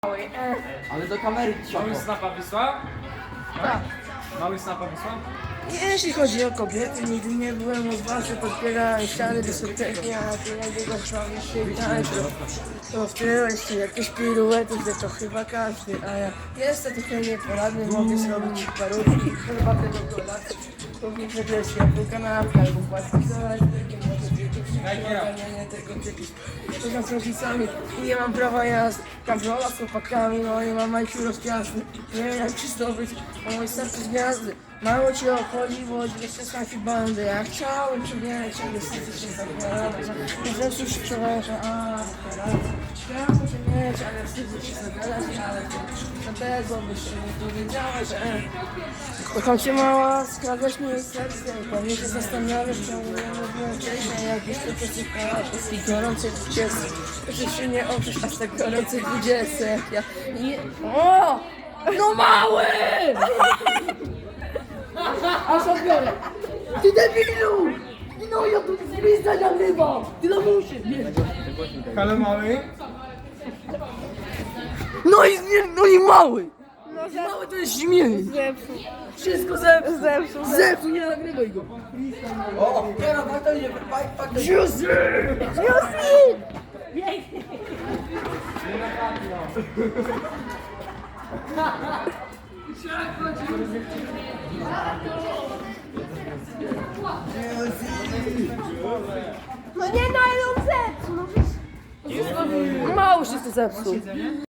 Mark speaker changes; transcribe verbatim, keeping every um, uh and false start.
Speaker 1: Ale do kamery trzeba.
Speaker 2: Mały snapa wysłał?
Speaker 3: Tak.
Speaker 2: Mały snapa wysłał?
Speaker 3: Jeśli chodzi o kobiety, nigdy nie byłem odważny, podpierałem ściany dyskoteki, a tu jak go szłam się i tańczył. To w tyle jeszcze jakieś piruety, że to chyba każdy, a ja jestem trochę nieporadny, mogę zrobić parówki, herbatę do kolacji, kupić że światło, kanapkę albo płacić za elektrykę, może nie tego typu. Poza z rodzicami i nie mam prawa jazdy, kontrola z chłopakami, no i mam majki rozpiasny, nie wiem jak czysto być, a mój serce z gwiazdy. Mało cię obchodzi, bo jeszcze trafi bandy. Ja chciałem przybiegać, ale niestety się zabrałem. Rzecz już przeważa, a teraz chciałem przybiegać, ale wstydzę się zabrać, ale na tego by się nie dowiedziała, że kocham cię mała, skradłaś mi jej serce i pewnie się zastanawiasz, czemu nie mówiłem wcześniej, jak już to przesypałaś i gorącej dwudziestce. Że się nie oprzesz aż tak gorącej dwudziestce, jak ja nie... O! No mały! Aż odbiorę! Ty debilu! No ja tu zwizda nagrywam! Ty na muszy!
Speaker 2: Halo mały?
Speaker 3: No i, no i mały! I mały to jest śmiech!
Speaker 4: Zepsuł.
Speaker 3: Wszystko zepsuł!
Speaker 4: Zepsuł.
Speaker 3: Zepsuł, nie nagrywaj go!
Speaker 1: O, teraz warto nie, warto nie.
Speaker 3: Juicy!
Speaker 4: No nie, no ale on zepsuł. No,
Speaker 3: Mały się to zepsuł!